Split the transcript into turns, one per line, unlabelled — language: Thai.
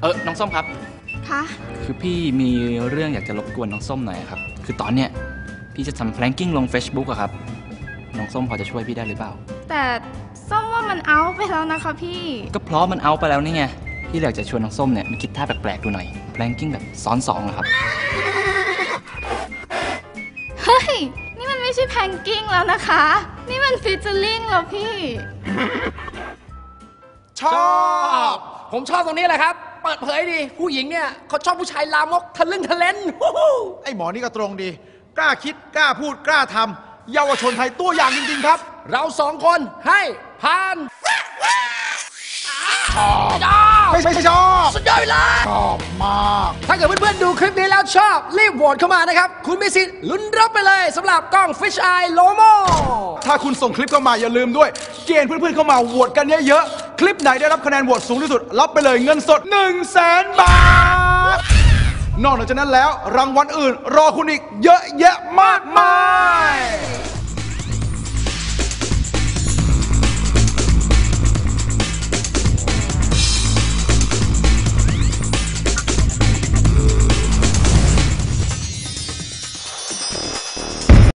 น้องส้มครับ
คะ
คือพี่มีเรื่องอยากจะรบกวนน้องส้มหน่อยครับคือตอนเนี้ยพี่จะทำแพลงกิ้งลง Facebook อะครับน้องส้มพอจะช่วยพี่ได้หรือเปล่า
แต่ส้มว่ามันเอาไปแล้วนะคะพี่
ก็เพราะมันเอาไปแล้วนี่ไงพี่อยากจะชวนน้องส้มเนี่ยมาคิดท่าแปลกๆดูหน่อยแพลงกิ้งแบบซ้อน2อะครับ
เฮ้ยนี่มันไม่ใช่แพลงกิ้งแล้วนะคะนี่มันฟีเจอริ่งแล้วพี่
ชอบผมชอบตรงนี้แหละครับเปิดเผยดีผู้หญิงเนี่ยเขาชอบผู้ชายลามกทะลึ่งทะเลน
ไอ้หมอนี่ก็ตรงดีกล้าคิดกล้าพูดกล้าทำเยาวชนไทยตัวอย่างจริงๆครับ
เรา2 คนให้ผ่าน
ไม่ชอบ
สุดยอดไปเลย
ชอบมาก
ถ้าเกิดเพื่อนๆดูคลิปนี้แล้วชอบรีบโหวตเข้ามานะครับคุณมีสิทธิ์ลุ้นรับไปเลยสำหรับกล้อง Fish Eye Lomo
ถ้าคุณส่งคลิปเข้ามาอย่าลืมด้วยเกณฑ์เพื่อนๆเข้ามาโหวตกันเยอะๆคลิปไหนได้รับคะแนนโหวตสูงที่สุดรับไปเลยเงินสด 100,000 บาทนอกจากนั้นแล้วรางวัลอื่นรอคุณอีกเยอะแยะมากมาย